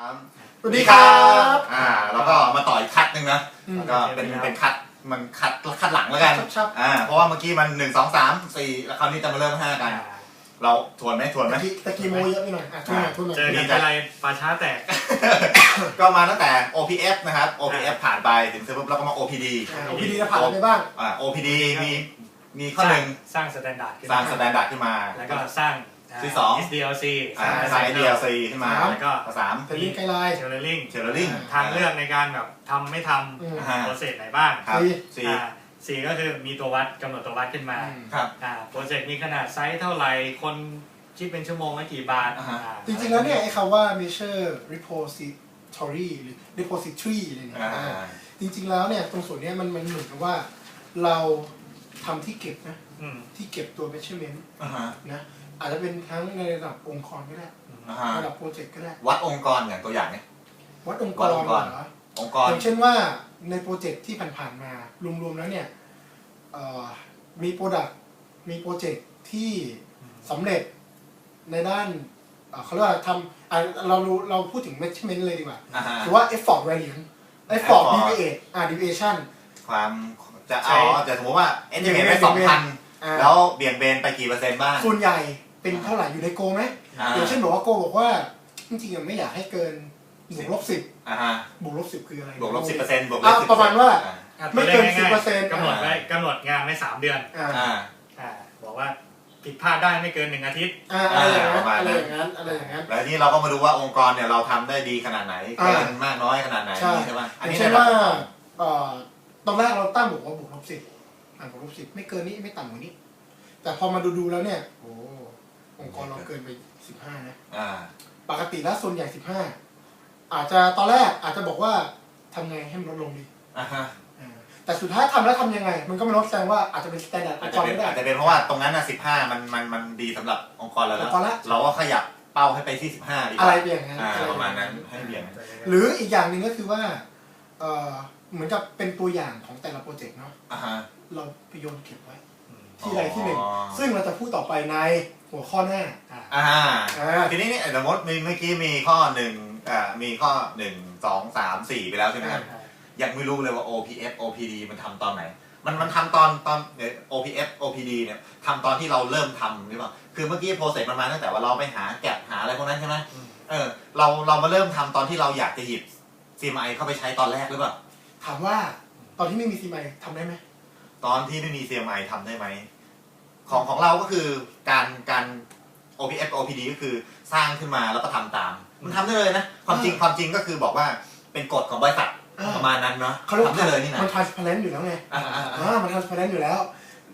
สวัสดีครับแล้วก็มาต่ออีกคัดหนึ่งนะก็เป็นคัดมันคัดหลังแล้วกันเพราะว่าเมื่อกี้มัน1 2 3 4แล้วคราวนี้จะมาเริ่ม5กันเราทวนไหมตะกี้โมเยอะไปหน่อยทวนหน่อยเจอกันอะไรป่าช้าแตกก็มาตั้งแต่ OPF นะครับ OPF ผ่านไปถึงเสร็จปุ๊บแล้วก็มา OPD จะผ่านไปบ้าง OPD มีข้อหนึ่งสร้างสแตนดาร์ดขึ้นมาแล้วก็สร้างที่สอง SDLC สร้าง SDLC ขึ้นมาแล้วก็เทรลลิ่งไกด์ไลน์เทรลลิ่งทางเลือกในการแบบทำไม่ทำโปรเซสไหนบ้างสี่ก็คือมีตัววัดกำหนดตัววัดขึ้นมาโปรเจกต์มีขนาดไซส์เท่าไหร่คนคิดเป็นชั่วโมงละกี่บาทจริงๆแล้วเนี่ยไอ้คำว่า measure repository หรือ repository อะไรเนี่ยจริงๆแล้วเนี่ยตรงส่วนนี้มันเหมือนกับว่าเราทำที่เก็บนะที่เก็บตัว measurement นะอาจจะเป็นทั้งในระดับองค์กรก็ได้ระดับโปรเจกต์ก็ได้วัดองค์กรอย่างตัวอย่างเนี่ยวัดองค์กรเหรออย่างเช่นว่าในโปรเจกต์ที่ผ่านๆมารวมๆแล้วเนี่ยมีโปรดักต์มีโปรเจกต์ที่สำเร็จในด้านเขาเรียกว่าทำเราพูดถึง measurement เลยดีกว่าหรือว่า effort variance effort deviation ความจะสมมติว่า estimate ไว้ 2,000 แล้วเบี่ยงเบนไปกี่เปอร์เซ็นต์บ้างส่วนใหญ่เป็นเท่าไหร่อยู่ในโกไหมอย่างเช่นบอกว่าโกบอกว่าจริงๆไม่อยากให้เกินบวกลบ10บวกลบ10คืออะไรบวกลบ10%บวกลบ10% ประมาณว่าไม่เกิน 10% กำหนดงานไว้3 เดือนบอกว่าผิดพลาดได้ไม่เกิน1 อาทิตย์อะไรอย่างนั้นแล้วนี่เราก็มาดูว่าองค์กรเนี่ยเราทำได้ดีขนาดไหนเกินมากน้อยขนาดไหนใช่ไหมอันนี้ใช่ว่าตอนแรกเราตั้งบอกว่าบวกลบ10บวกลบ10ไม่เกินนี้ไม่ต่ำกว่านี้แต่พอมาดูแล้วเนี่ยโอ้องค์กรเราเกินไป15นะปกติแล้วส่วนใหญ่15อาจจะตอนแรกอาจจะบอกว่าทำไงให้มันลดลงดีแต่สุดท้ายทำแล้วทำยังไงมันก็ไม่ลดแสดงว่าอาจจะเป็นสแตนดาร์ดองค์กรไม่ได้อาจจะเป็นเพราะว่าตรงนั้นนะ15มันดีสำหรับองค์กรเราแล้วเราก็ขยับเป้าให้ไปที่15ดีกว่าอะไรอย่างนั้นประมาณนั้นให้เบี่ยงหรืออีกอย่างหนึ่งก็คือว่าเหมือนกับเป็นตัวอย่างของแต่ละโปรเจกต์เนาะเราไปโยนเก็บไว้ที่ใดที่หนึ่งซึ่งเราจะพูดต่อไปในหัวข้อหน้าทีนี้สมมติเมื่อกี้มีข้อ1มีข้อ1 2 3 4ไปแล้วใช่ไหมครับยังไม่รู้เลยว่า OPF OPD มันทำตอนไหนมันทำตอนOPF OPD เนี่ยทำตอนที่เราเริ่มทำหรือเปล่าคือเมื่อกี้โปรเซสมันมาตั้งแต่ว่าเราไปหาแกะหาอะไรพวกนั้นใช่ไหมเรามาเริ่มทำตอนที่เราอยากจะหยิบ CMI เข้าไปใช้ตอนแรกหรือเปล่าถามว่าตอนที่ไม่มี CMI ทำได้ไหมตอนที่ไม่มี CMI ทำได้ไหมของเราก็คือการ OPF OPD ก็คือสร้างขึ้นมาแล้วก็ทำตามมันทำได้เลยนะความจริงก็คือบอกว่าเป็นกฎของบริษัทประมาณนั้นเนาะทำได้เลยนี่นะมัน transparent อยู่แล้วไงมัน transparent อยู่แล้ว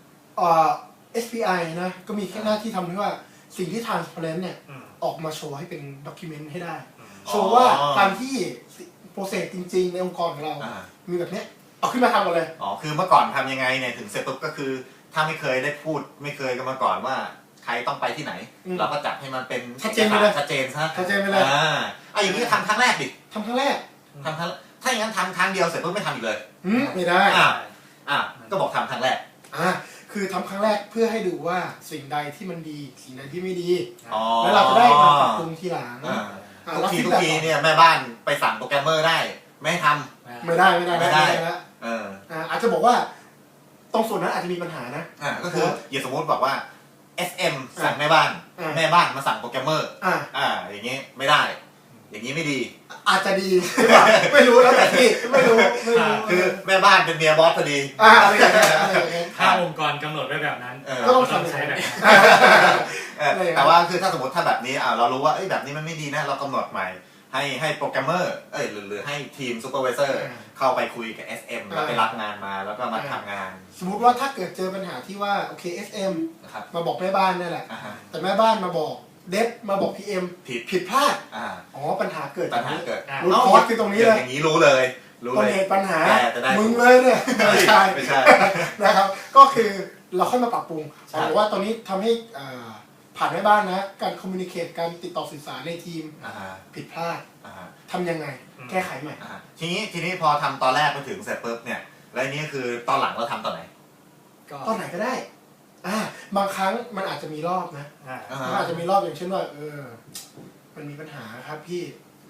SPI นะก็มีแค่หน้าที่ทำที่ว่าสิ่งที่ transparent เนี่ยออกมาโชว์ให้เป็น document ให้ได้โชว์ว่าการที่โปรเซสจริงๆในองค์กรของเรามีแบบนี้เอาขึ้นมาทำกันเลยคือเมื่อก่อนทำยังไงเนี่ยถึงเสร็จปุ๊บก็คือถ้าไม่เคยได้พูดไม่เคยกันมาก่อนว่าใครต้องไปที่ไหนเราก็จัดให้มันเป็นชัดเจนไปเลยชัดเจนไปเลยอย่างนี้ทำครั้งแรกดิทำครั้งแรกถ้าอย่างนั้นทำครั้งเดียวเสร็จปุ๊บไม่ทำอีกเลยไม่ได้ก็บอกทำครั้งแรกคือทำครั้งแรกเพื่อให้ดูว่าสิ่งใดที่มันดีสิ่งใดที่ไม่ดีแล้วเราจะได้มาปรับปรุงทีหลังทุกทีเนี่ยแม่บ้านไปสั่งโปรแกรมเมอร์ได้ไม่ให้ทำไม่ได้แล้วอาจจะบอกว่าตรงส่วนนั้นอาจจะมีปัญหานะก็คืออย่าสมมติบอกว่า SM สั่งแม่บ้านมาสั่งโปรแกรมเมอร์อย่างนี้ไม่ได้อย่างนี้ไม่ดีอาจจะดีหรือเปล่าไม่รู้แล้วแต่ที่ไม่รู้คือแม่บ้านเป็นเมียบอสพอดีถ้าองค์กรกำหนดไว้แบบนั้นก็ต้องใช้แบบนั้นแต่ว่าคือถ้าสมมติถ้าแบบนี้เรารู้ว่าแบบนี้มันไม่ดีนะเรากำหนดใหม่ให้โปรแกรมเมอร์หรือให้ทีมซูเปอร์วิเซอร์เข้าไปคุยกับ SM แล้วไปรับงานมาแล้วก็มาทำงานสมมุติว่าถ้าเกิดเจอปัญหาที่ว่าโอเค SM มาบอกแม่บ้านนั่นแหละแต่แม่บ้านมาบอกเดฟมาบอก PM ผิดพลาดปัญหาเกิดรู้คอร์สคือตรงนี้เลยอย่างนี้รู้เลยปัญหามึงเลยเนี่ยไม่ใช่นะครับก็คือเราค่อยมาปรับปรุงบอกว่าตอนนี้ทำให้ผ่านแม่บ้านนะการคอมมิวนิเคตการติดต่อสื่อสารในทีมผิดพลาดทำยังไงแก้ไขใหม่ทีนี้พอทำตอนแรกไปถึงเสร็จปุ๊บเนี่ยแล้วนี้คือตอนหลังเราทำตอนไหนก็ได้บางครั้งมันอาจจะมีรอบนะมันอาจจะมีรอบอย่างเช่นว่ามันมีปัญหาครับพี่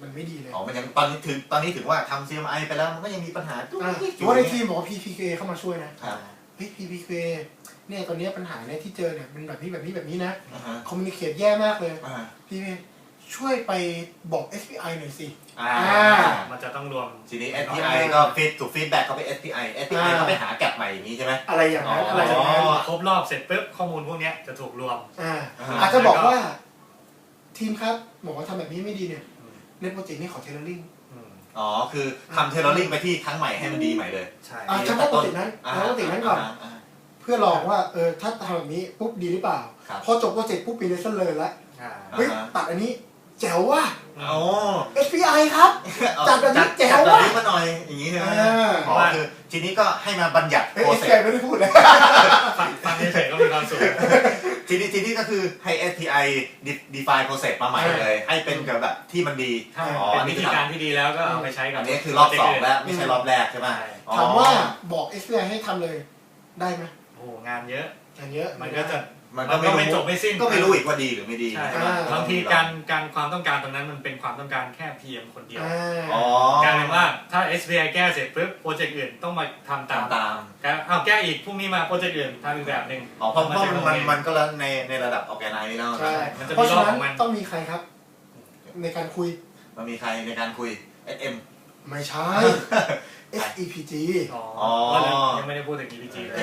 มันไม่ดีเลยอ๋อมันยังตอนนี้ถึงว่าทำ CMI ไปแล้วมันก็ยังมีปัญหาจุ๊กจิ๊กถือว่าในทีมบอกว่า PPK เข้ามาช่วยนะเฮ้ย PPK เนี่ยตอนนี้ปัญหาเนี่ยที่เจอเนี่ยมันแบบนี้นะคอมมิวนิเคชแย่มากเลยพี่ช่วยไปบอก SPI หน่อยสิมันจะต้องรวมทีนี้ SPI ก็ถูกฟีดแบ็กเข้าไป SPI ก็ไปหาแก็บใหม่อย่างนี้ใช่ไหมอะไรอย่างนั้นครบรอบเสร็จปุ๊บข้อมูลพวกนี้จะถูกรวมอาจจะบอกว่าทีมครับบอกว่าทำแบบนี้ไม่ดีเนี่ยในโปรเจกต์นี้ขอเทเลอร์ลิงอ๋อคือทำเทเลอร์ลิงไปที่ครั้งใหม่ให้มันดีใหม่เลยใช่เฉพาะโปรเจกต์นั้นก่อนเพื่อลองว่าถ้าทำแบบนี้ปุ๊บดีหรือเปล่าพอจบโปรเจกต์ปุ๊บปีเลสเลยแล้วเฮ้ยตัดอันนี้แจ๋วว่ะSPI ครับจัดแบบนี้แจ๋วว่ะมาหน่อยอย่างนี้ใช่ไหมอ๋อคือทีนี้ก็ให้มาบัญญัติโปรเซสไม่ได้พูดเลยฟังเฉยๆก็มีความสุขทีนี้ก็คือให้ SPI define process มาใหม่เลยให้เป็นแบบที่มันดีเป็นวิธีการที่ดีแล้วก็เอาไปใช้กับอันนี้คือรอบ2แล้วไม่ใช่รอบแรกใช่ไหมถามว่าบอก SPI ให้ทำเลยได้ไหมโอ้งานเยอะมันก็จะมันก็ไม่จบไม่สิ้นก็ไม่รู้อีกว่าดีหรือไม่ดีบางทีการความต้องการตรงนั้นมันเป็นความต้องการแค่ PM คนเดียวกลายเป็นว่าถ้า SPI แก้เสร็จปุ๊บโปรเจกต์อื่นต้องมาทำตามเอาแก้อีกพรุ่งนี้มาโปรเจกต์อื่นทำอีกแบบหนึ่งเพราะมันก็แล้วในระดับออแกไนซ์แล้วใช่เพราะฉะนั้นต้องมีใครครับในการคุยมันมีใครในการคุย SM ไม่ใช่ SEPG อ๋อยังไม่ได้พูดถึง EPG เลย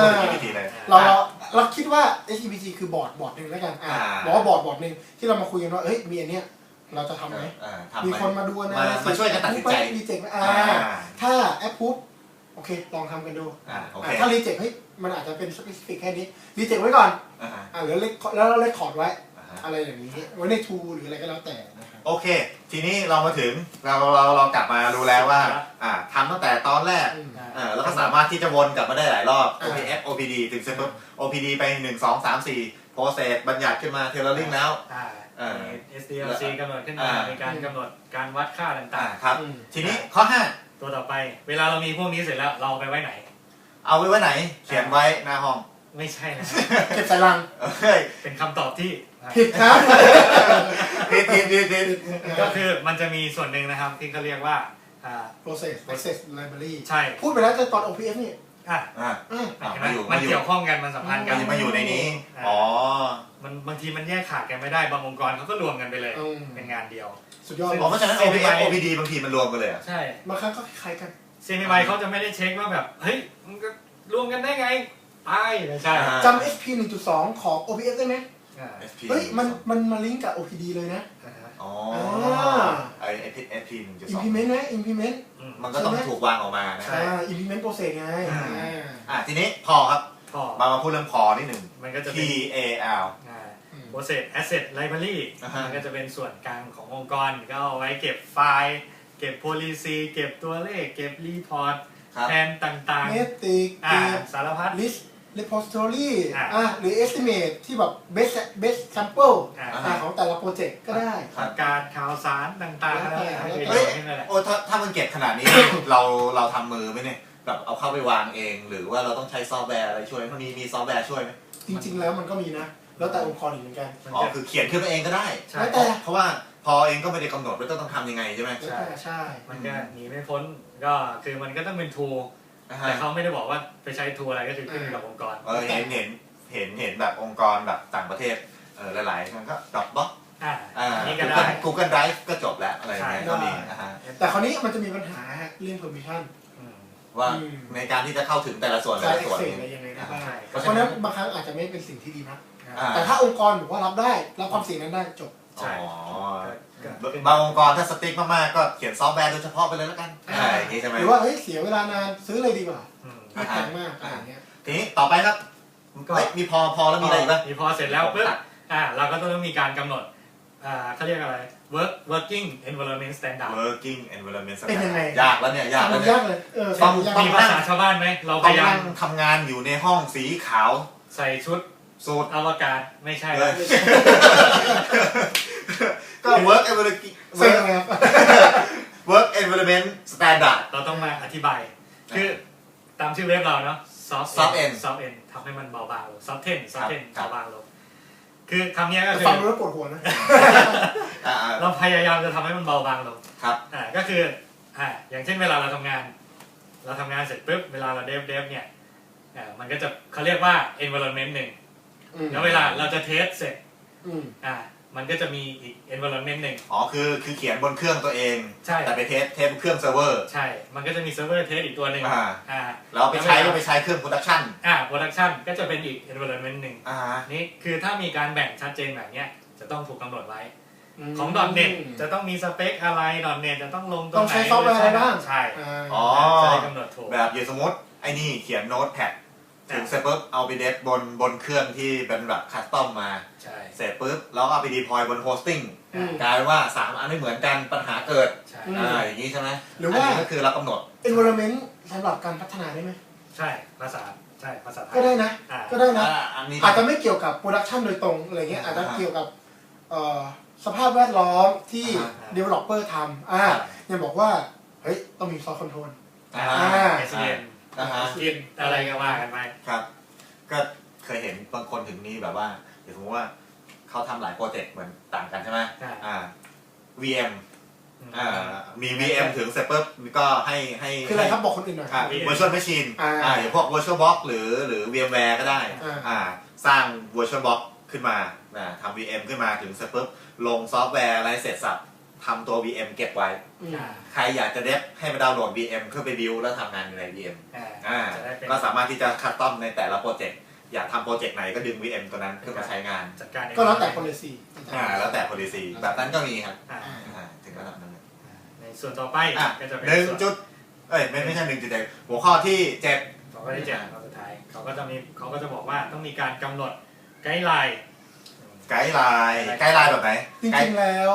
เราคิดว่า SEPG คือบอร์ดหนึ่งแล้วกันบอกว่าบอร์ดหนึ่งที่เรามาคุยกันว่าเฮ้ยมีอันเนี้ยเราจะทำไหมมีคนมาดูนะมาช่วยกันตัดสินใจรีเจ็คถ้าแอปพูดโอเคลองทำกันดูถ้ารีเจ็คเฮ้ยมันอาจจะเป็นสเปซิฟิกแค่นี้รีเจ็คไว้ก่อนแล้วเลคคอร์ดไว้อะไรอย่างนี้ไว้ในทูหรืออะไรก็แล้วแต่โอเคทีนี้เรามาถึงเรากลับมารู้แล้วว่าทำตั้งแต่ตอนแรกแล้วก็สามารถที่จะวนกลับมาได้หลายรอบ OPF OPD ถึงเสร็จปุ๊บ OPD ไป1 2 3 4 process บัญญัติขึ้นมา tailoring แล้ว SDLC กำหนดขึ้นมาในการกำหนดการวัดค่าต่างๆครับทีนี้ข้อ5 ตัวต่อไปเวลาเรามีพวกนี้เสร็จแล้วเราไปไว้ไหนเอาไว้ไหนเขียนไว้หน้าห้องไม่ใช่นะเก็บใส่ลังเป็นคำตอบที่ผิดครับผิดก็คือมันจะมีส่วนหนึ่งนะครับที่เขาเรียกว่า process library ใช่พูดไปแล้วตอน OPF นี่มันเกี่ยวข้องกันมันสัมพันธ์กันมาอยู่ในนี้อ๋มันบางทีมันแยกขาดกันไม่ได้บางองค์กรเขาก็รวมกันไปเลยเป็นงานเดียวสุดยอดเพราะฉะนั้น OPD บางทีมันรวมกันเลยใช่บางครั้งก็คล้ายกัน CMI เขาจะไม่ได้เช็คว่าแบบเฮ้ยมันก็รวมกันได้ไงไม่ใช่จำ SP 1.2 ของ OPF ได้ไหมเฮ้ยมันมาลิงก์กับ OPD เลยนะอ๋อไอ้ SP 1.2 implement นะ implement มันก็ต้องถูกวางออกมานะ implement process ไงทีนี้พอครับมาพูดเรื่องพอนิดหนึ่งมันก็จะ PAL process asset library มันก็จะเป็นส่วนกลางขององค์กรก็เอาไว้เก็บไฟล์เก็บ policy เก็บตัวเลขเก็บ report แทนต่างๆ metric สารพัด list repository หรือ estimate ที่แบบ best sample ของแต่ละโปรเจกต์ก็ได้การข่าวสารต่างๆถ้ามันเก็บขนาดนี้ เราทำมือไหมเนี่ยแบบเอาเข้าไปวางเองหรือว่าเราต้องใช้ซอฟต์แวร์อะไรช่วยมันมีซอฟต์แวร์ช่วยไหมจริงๆแล้วมันก็มีนะแล้วแต่องค์กรอีกเหมือนกันคือเขียนขึ้นมาเองก็ได้เพราะว่าพอเองก็ไม่ได้กำหนดว่าต้องทำยังไงใช่ไหมใช่มันก็หนีไม่พ้นก็คือมันก็ต้องเป็นทูแต่เขาไม่ได้บอกว่าไปใช้ทูอะไรก็คือขึ้นกับองค์กรเห็นแบบองค์กรแบบต่างประเทศหลายๆมันก็ดรอปบ็อกนี่ก็ได้ Google Drive ก็จบแล้วอะไรอย่างเงี้ยก็ดีแต่คราวนี้มันจะมีปัญหาเรื่อง permission ว่าในการที่จะเข้าถึงแต่ละส่วนอะไรยังไงได้บ้างเพราะฉะนั้นบางครั้งอาจจะไม่เป็นสิ่งที่ดีนะแต่ถ้าองค์กรบอกว่ารับได้รับความเสี่ยงนั้นได้จบบางองค์กรถ้าสติ๊กมากๆก็เขียนซอฟต์แวร์โดยเฉพาะไปเลยแล้วกันใช่ไหมหรือว่าเฮ้ยเสียเวลานานซื้อเลยดีกว่าไม่แพงมากอะไรเงี้ยทีนี้ต่อไปครับมีพอแล้วมีอะไรอีกบ้างมีพอเสร็จแล้วปุ๊บเราก็ต้องมีการกำหนดเขาเรียกอะไร working environment standard working environment standard เป็นยังไงยากแล้วเนี่ยยากเลยต้องมีภาษาชาวบ้านไหมเราพยายามทำงานอยู่ในห้องสีขาวใส่ชุดสูทอวกาศไม่ใช่ก็ work environment standard เราต้องมาอธิบายคือตามชื่อเว็บเราเนาะ soft end ทำให้มันเบาบางลง soft end เบาบางลงคือคำนี้ก็คือฟังแล้วปวดหัวนะเราพยายามจะทำให้มันเบาบางลงครับก็คืออย่างเช่นเวลาเราทำงานเสร็จปุ๊บเวลาเราเดฟเนี่ยมันก็จะเขาเรียกว่า environment หนึ่งแล้วเวลาเราจะเทสเสร็จมันก็จะมีอีก environment หนึ่งคือเขียนบนเครื่องตัวเองใช่แต่ไปเทสเครื่องเซิร์ฟเวอร์ใช่มันก็จะมีเซิร์ฟเวอร์เทสอีกตัวหนึ่งแล้วไปใช้เครื่องโปรดักชันโปรดักชันก็จะเป็นอีก environment หนึ่งนี่คือถ้ามีการแบ่งชัดเจนแบบนี้จะต้องถูกกำหนดไว้ของ .NET จะต้องมีสเปคอะไร .NET จะต้องลงตัวไหนต้องใช้ซอฟต์แวร์อะไรบ้างใช่จะได้กำหนดถูกแบบอย่างสมมติไอ้นี่เขียนโน้ตแพดถึงเสร็จปุ๊บเอาไปเดฟบนเครื่องที่เป็นแบบคัสตอมมาเสร็จปุ๊บแล้วเอาไปดีพลอยบนโฮสติ้งกลายว่า3อันไม่เหมือนกันปัญหาเกิดอย่างนี้ใช่ไหมหรือว่าก็คือเรากำหนด environment สำหรับการพัฒนาได้ไหมใช่ภาษาไทยก็ได้นะอาจจะไม่เกี่ยวกับโปรดักชันโดยตรงอะไรเงี้ยอาจจะเกี่ยวกับสภาพแวดล้อมที่ developer ทำยังบอกว่าเฮ้ยต้องมีซอฟต์คอนโทรล SEN กินอะไรก็ว่ากันไปครับก็เคยเห็นบางคนถึงนี้แบบว่าเดี๋ยวสมมติว่าเขาทำหลายโปรเจกต์เหมือนต่างกันใช่ไหมVM มี VM ถึงเสร็จปุ๊บก็ให้คืออะไรครับบอกคนอื่นหน่อย Virtual Machine อย่างพวก Virtual Box หรือ VMware ก็ได้สร้าง Virtual Box ขึ้นมาทำ VM ขึ้นมาถึงเสร็จปุ๊บลงซอฟต์แวร์อะไรเสร็จสับทำตัว VM เก็บไว้ใครอยากจะเดฟให้มาดาวน์โหลด VM เพื่อไปบิวแล้วทำงานใน VM ก็สามารถที่จะคัสตอมในแต่ละโปรเจกต์อยากทำโปรเจกต์ไหนก็ดึง VM ตัวนั้นขึ้นมาใช้งานก็แล้วแต่ policy แล้วแต่ policy แบบนั้นก็มีครับถึงระดับนั้นในส่วนต่อไปก็จะเป็นจุดไม่ใช่1.7หัวข้อที่7 ข้อที่7ข้อสุดท้ายเขาก็จะบอกว่าต้องมีการกำหนดไกด์ไลน์แบบไหนจริงๆแล้ว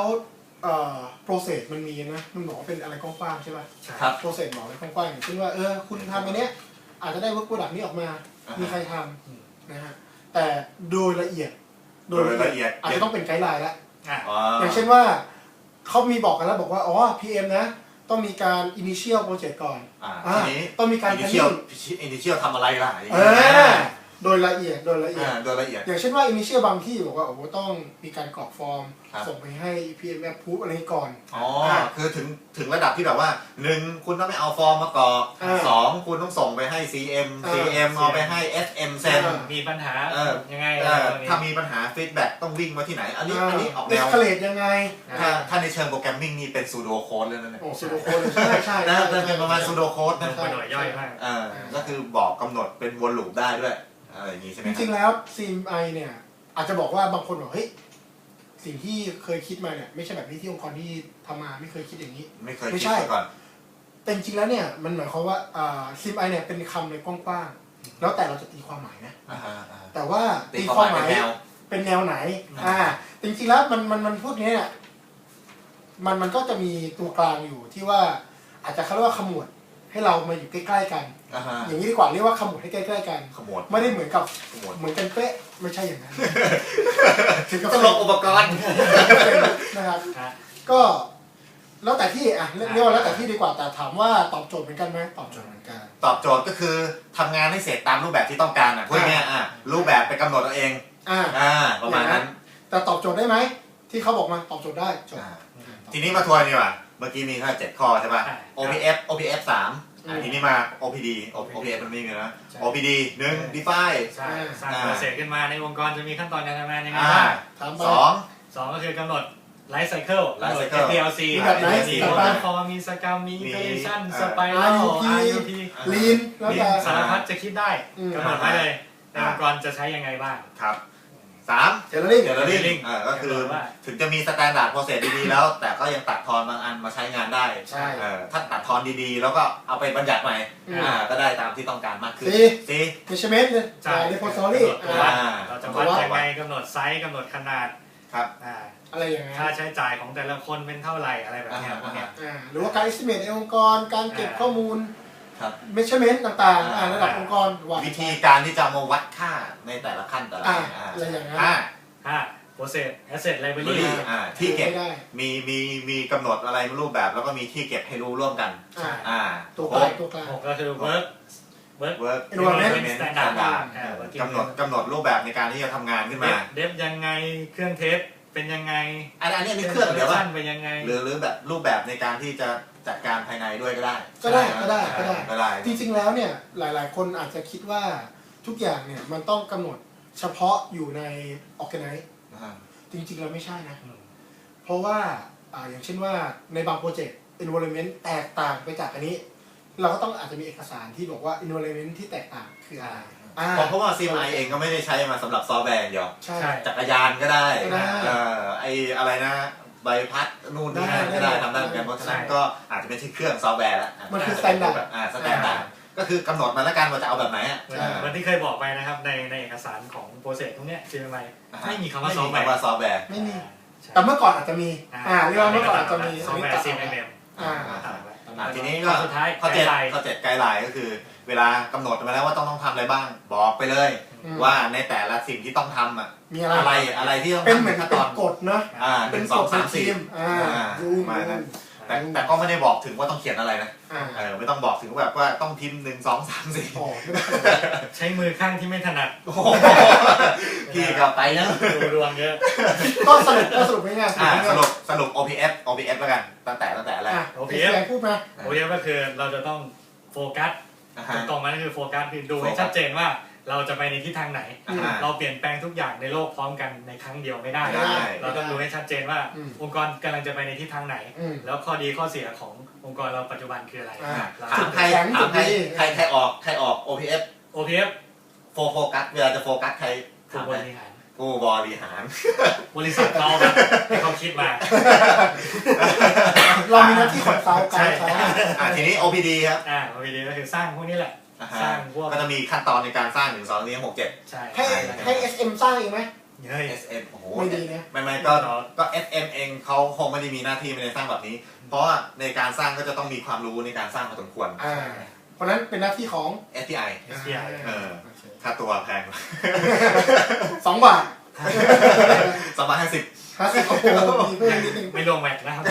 process มันมีนะมันบอกว่าเป็นอะไรกว้างๆใช่ป่ะครับ process บอกอะไรกว้างๆอย่างเช่นว่าคุณทำอันเนี้ยอาจจะได้ work product นี้ออกมามีใครทำนะฮะแต่โดยละเอียดอาจจะต้องเป็นไกด์ไลน์แล้วอย่างเช่นว่าเขามีบอกกันแล้วบอกว่าPM นะต้องมีการ initial project ก่อนต้องมีการ initial ทำอะไรล่ะโดยละเอียดอย่างเช่นว่า initial บางที่บอกว่าต้องมีการกรอกฟอร์มส่งไปให้ PM approve อะไรก่อนคือถึงระดับที่แบบว่า1คุณต้องไม่เอาฟอร์มมากรอก2คุณต้องส่งไปให้ CM เอาไปให้ SM เซ็นมีปัญหายังไงถ้ามีปัญหา feedback ต้องวิ่งมาที่ไหนอันนี้ออกแนว escalate ยังไงถ้าในเชิงโปรแกรมมิ่งนี่เป็น pseudo code เลยนะเนี่ย pseudo code ใช่เป็นประมาณ pseudo code นะเป็นหน่วยย่อยมากก็คือบอกกำหนดเป็นวนลูปได้ด้วยอะไรอย่างนี้ใช่ไหมจริงๆแล้ว CMI เนี่ยอาจจะบอกว่าบางคนบอกเฮ้ยสิ่งที่เคยคิดมาเนี่ยไม่ใช่แบบนี้ที่องค์กรที่ทำมาไม่เคยคิดอย่างนี้ไม่ใช่ก่อนแต่จริงๆแล้วเนี่ยมันหมายความว่าCMI เนี่ยเป็นคำในกว้างๆแล้วแต่เราจะตีความหมายนะแต่ว่าตีความหมายเป็นแนวไหนจริงๆแล้วมันพูดนี้เนี่ยมันก็จะมีตัวกลางอยู่ที่ว่าอาจจะเขาเรียกว่าขมวดให้เรามาอยู่ใกล้ๆกันอย่างนี้ดีกว่าเรียกว่าขมวดให้ใกล้ๆกันไม่ได้เหมือนกับเหมือนกันเป๊ะไม่ใช่อย่างนั้นต้องลงอุปกรณ์นะครับก็แล้วแต่ที่เรียกว่าแล้วแต่ที่ดีกว่าแต่ถามว่าตอบโจทย์เหมือนกันไหมตอบโจทย์เหมือนกันตอบโจทย์ก็คือทำงานให้เสร็จตามรูปแบบที่ต้องการพูดง่ายรูปแบบไปกำหนดเอาเองประมาณนั้นแต่ตอบโจทย์ได้ไหมที่เขาบอกมาตอบโจทย์ได้ทีนี้มาทวนดีกว่าเมื่อกี้มีแค่7ข้อใช่ป่ะ OPF 3ทีนี้มา OPD มันไม่มีนะ OPD 1 define สร้างโปรเซสขึ้นมาในองค์กรจะมีขั้นตอนการทำงานยังไงบ้าง2ก็คือกำหนด Life Cycle กำหนด PLC มีแบบไหนมีโปรโตคอลมีสกรรมมี Iteration Spiral IUP Lean แล้วแต่สารพัดจะคิดได้กำหนดไว้เลยในองค์กรจะใช้ยังไงบ้างครับ3 Tailoring ก็คือถึงจะมี Standard Process ดีๆแล้วแต่ก็ยังตัดทอนบางอันมาใช้งานได้ถ้าตัดทอนดีๆแล้วก็เอาไปบัญญัติใหม่ก็ได้ตามที่ต้องการมากขึ้น Measurement เลย Repository เราจะวัดยังไงกำหนดไซส์กำหนดขนาดครับอะไรอย่างเงี้ยค่าใช้จ่ายของแต่ละคนเป็นเท่าไหร่อะไรแบบนี้พวกนี้หรือว่าการ estimate ในองค์กรการเก็บข้อมูลmeasurement ต่างๆระดับองค์กรวิธีการที่จะมาวัดค่าในแต่ละขั้นแต่ละอะไรอย่างนั้น process asset library ที่เก็บมีกำหนดอะไรรูปแบบแล้วก็มีที่เก็บให้รู้ร่วมกันตัวกลางก็คือ work work environment standard กำหนดรูปแบบในการที่จะทำงานขึ้นมาเดฟยังไงเครื่องเทสเป็นยังไงอันนี้เครื่องเดี๋ยวว่าเป็นยังไงหรือแบบรูปแบบในการที่จะจัดการภายในด้วยก็ได้จริงๆแล้วเนี่ยหลายๆคนอาจจะคิดว่าทุกอย่างเนี่ยมันต้องกำหนดเฉพาะอยู่ใน organize จริงๆเราไม่ใช่นะเพราะว่าอย่างเช่นว่าในบางโปรเจกต์ environment แตกต่างไปจากอันนี้เราก็ต้องอาจจะมีเอกสารที่บอกว่า environment ที่แตกต่างคืออะไรเพราะว่า CMI เองก็ไม่ได้ใช้มาสำหรับซอฟต์แวร์เดียวใช่จักรยานก็ได้ไออะไรนะใบพัดนู่นนี่นั่นก็ได้ทำได้เหมือนกันเพราะฉะนั้นก็อาจจะไม่ใช่เครื่องซอฟต์แวร์แล้วมันคือ standard สแตนดาร์ดก็คือกำหนดมาแล้วกันว่าจะเอาแบบไหนเหมือนที่เคยบอกไปนะครับในเอกสารของโปรเซสพวกนี้ CMI ไม่มีคำว่าซอฟต์แวร์ไม่มีแต่เมื่อก่อนอาจจะมีเรียกว่าเมื่อก่อนอาจจะมีซอฟต์แวร์ CMM ทีนี้ก็ข้อ7ไกด์ไลน์ก็คือเวลากำหนดมาแล้วว่าต้องทำอะไรบ้างบอกไปเลยว่าในแต่ละสิ่งที่ต้องทำมีอะไรที่ต้องเป็นเหมือนเป็นกฎเนาะ 1 2 3 4มานั้นแต่ก็ไม่ได้บอกถึงว่าต้องเขียนอะไรนะไม่ต้องบอกถึงแบบว่าต้องพิมพ์1 2 3 4ใช้มือข้างที่ไม่ถนัดพี่กลับไปนะรวมเยอะก็สรุปง่ายสรุป OPF แล้วกันตั้งแต่แรก OPF พูดมา OPF ก็คือเราจะต้องโฟกัสตรงนั้นคือโฟกัสคือดูให้ชัดเจนว่าเราจะไปในทิศทางไหนเราเปลี่ยนแปลงทุกอย่างในโลกพร้อมกันในครั้งเดียวไม่ได้เราต้องดูให้ชัดเจนว่าองค์กรกำลังจะไปในทิศทางไหนแล้วข้อดีข้อเสียขององค์กรเราปัจจุบันคืออะไรใครออก OPF โฟกัสเวลาจะโฟกัสใครผู้บริหารบริษัทเราให้เขาคิดมาเรามีหน้าที่ขนเสาไกด์เขาทีนี้ OPD ครับ OPD ก็คือสร้างพวกนี้แหละสร้างพวกก็จะมีขั้นตอนในการสร้าง1 2 3 6 7 ใช่ให้ SM สร้างเองไหม SM โอ้โหไม่ดีนะไม่ก็ SM เองเขาคงไม่ได้มีหน้าที่ในสร้างแบบนี้เพราะว่าในการสร้างก็จะต้องมีความรู้ในการสร้างพอสมควรเพราะนั้นเป็นหน้าที่ของ SPI ค่าตัวแพง 2 บาท 250 โอ้โหมีเพิ่มนิดนึงไม่ลงแม็กนะครับ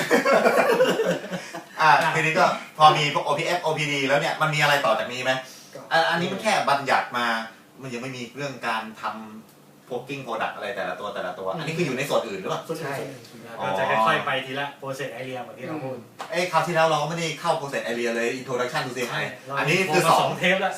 ทีนี้ก็พอมีพวก OPF OPD แล้วเนี่ยมันมีอะไรต่อจากนี้ไหมอันนี้มันแค่บัญญัติมามันยังไม่มีเรื่องการทำ working product อะไรแต่ละตัวอันนี้คืออยู่ในส่วนอื่นหรือเปล่าใช่ก็จะค่อยๆไปทีละ process area เหมือนที่เราพูดคราวที่แล้วเราก็ไม่ได้เข้า process area เลย introduction to CMI อันนี้คือ 2 เทปแล้ว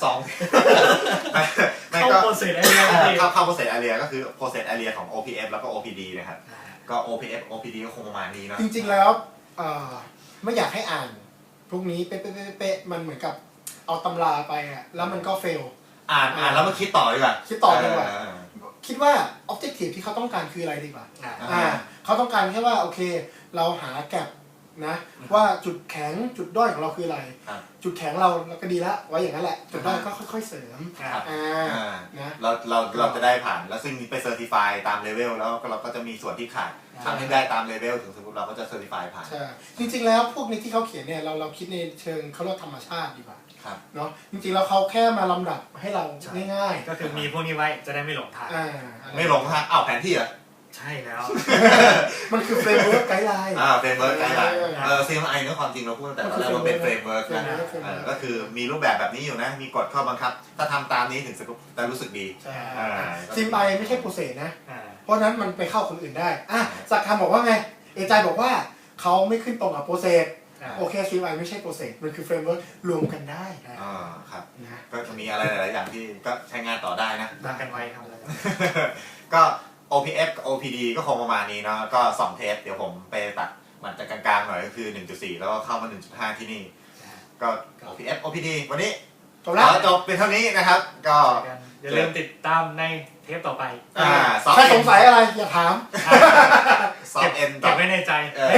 เข้า process area เข้า process area ก็คือ process area ของ OPF แล้วก็ OPD นะครับก็ OPF OPD ก็คงประมาณนี้เนาะจริงๆแล้วไม่อยากให้อ่านพวกนี้เป๊ะมันเหมือนกับเอาตำราไปแล้วมันก็เฟลอ่านแล้วมาคิดต่อดีกว่าคิดว่า objective ที่เขาต้องการคืออะไรดีกว่าเขาต้องการแค่ว่าโอเคเราหาแก็บนะว่าจุดแข็งจุดด้อยของเราคืออะไรจุดแข็งเราก็ดีแล้วไว้อย่างนั้นแหละจุดด้อยก็ค่อยๆเสริมนะเราจะได้ผ่านแล้วซึ่งไปเซอร์ติฟายตามเลเวลแล้วเราก็จะมีส่วนที่ขาดทำให้ได้ตามเลเวลถึงสมมติเราก็จะเซอร์ติฟายผ่านใช่จริงๆแล้วพวกนี้ที่เขาเขียนเนี่ยเราคิดในเชิงเขาเรียกธรรมชาติดีกว่าเนาะจริงๆแล้วเขาแค่มาลำดับให้เราง่ายๆก็คือมีพวกนี้ไว้จะได้ไม่หลงทางไม่หลงทางแผนที่เหรอใช่แล้วมันคือเฟรมเวิร์กไกด์ไลน์เฟรมเวิร์กไกด์ไลน์CMI เนื้อความจริงเราพูดแต่ตอนแรกมันเป็นเฟรมเวิร์กนะก็คือมีรูปแบบนี้อยู่นะมีกฎข้อบังคับถ้าทำตามนี้ถึงจะรู้สึกดี CMI ไม่ใช่โปรเซสนะเพราะนั้นมันไปเข้าคนอื่นได้สักคำบอกว่าไงเอใจบอกว่าเขาไม่ขึ้นตรงกับโปรเซสโอเค CMI ไม่ใช่โปรเซสมันคือเฟรมเวิร์กรวมกันได้ครับก็จะมีอะไรหลายๆอย่างที่ก็ใช้งานต่อได้นะตั้งกันไว้ทำอะไรก็ OPF OPD ก็คงประมาณนี้เนาะก็2 เทปเดี๋ยวผมไปตัดมันจะกลางๆหน่อยก็คือ 1.4 แล้วก็เข้ามา 1.5 ที่นี่ก็ OPF OPD วันนี้จบเป็นเท่านี้นะครับก็อย่าลืมติดตามในเทปต่อไปถ้าสงสัยอะไรอย่าถามเก็บไว้ในใจ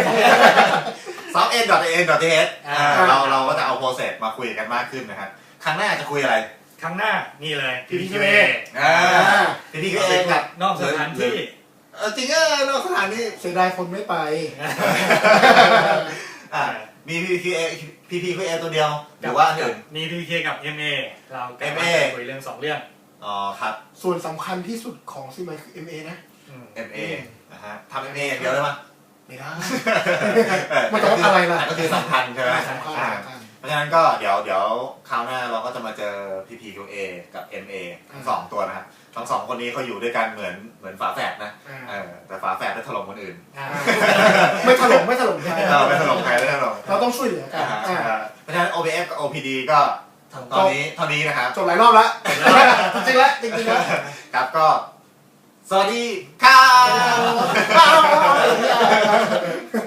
softn.an.th เราก็จะเอาโปรเซสมาคุยกันมากขึ้นนะครับครั้งหน้าจะคุยอะไรครั้งหน้านี่เลย PPQA PPQA กับนอกสถานที่จริงนอกสถานที่เสียดายคนไม่ไปมี PPQA ตัวเดียวหรือว่าอื่นมี PPQA กับ MA เราคุยเรื่อง2 เรื่องครับส่วนสำคัญที่สุดของซีไมคือ MA นะ MA นะฮะทำ MA อย่างเดียวได้ไหมไม่ได้มันต้องอะไรล่ะก็คือสำคัญใช่ไหมเพราะฉะนั้นก็เดี๋ยวคราวหน้าเราก็จะมาเจอ PPQA กับ MA ทั้งสองตัวนะครับทั้งสองคนนี้เขาอยู่ด้วยกันเหมือนฝาแฝดนะแต่ฝาแฝดได้ถล่มคนอื่นไม่ถล่มใครไม่ถล่มใครเราต้องช่วยเหลือกันเพราะฉะนั้น OPF กับ OPD ก็ตอนนี้เท่านี้นะครับจบหลายรอบแล้วจริงๆแล้วครับก็สวัสดีครับ